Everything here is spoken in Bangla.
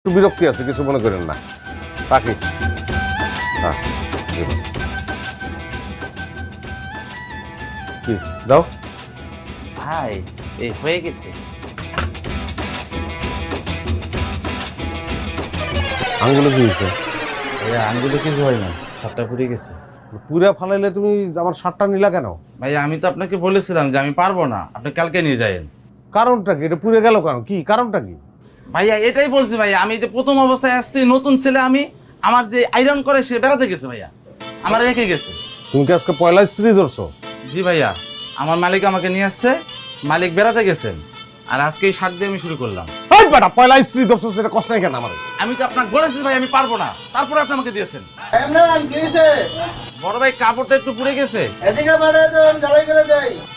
একটু বিরক্তি আছে, কিছু মনে করেন না, রাখি। হ্যাঁ, কি দাও। ভাই এই হয়ে গেছে। আঙ্গুলে কি হয়েছে? ভাইয়া আঙ্গুলে কিছু হয় না, সাতটা পুড়ে গেছে। পুরা ফালাইলে তুমি আমার শার্টটা নিলা কেন? ভাইয়া আমি তো আপনাকে বলেছিলাম যে আমি পারবো না, আপনি কালকে নিয়ে যাবেন। কারণটা কি? এটা পুড়ে গেল কেন? কি কারণটা কি? ভাইয়া এটাই বলছি ভাইয়া, আমি যে প্রথম অবস্থায় আসছি, নতুন ছেলে আমি, আমার যে আয়রন করে সে বেড়াতে গেছে ভাইয়া, আমার রেখে গেছে। তুমি কি আজকে পয়লা স্ত্রী ধরছো? জি ভাইয়া, আমার মালিক আমাকে নিয়ে আসছে, মালিক বেড়াতে গেছেন, আর আজকে এই শার্ট দিয়ে আমি শুরু করলাম। এই বেটা, পয়লা স্ত্রী ধরছো, সেটা কষ্ট নাই কেন আমার? আমি তো আপনাকে বলেছি ভাই আমি পারবো না, তারপরে আপনি আমাকে দিয়েছেন। বড় ভাই কাপড়টা একটু পুড়ে গেছে। এদিকে বাড়ায় দেন, জ্বালাই করে দেয়।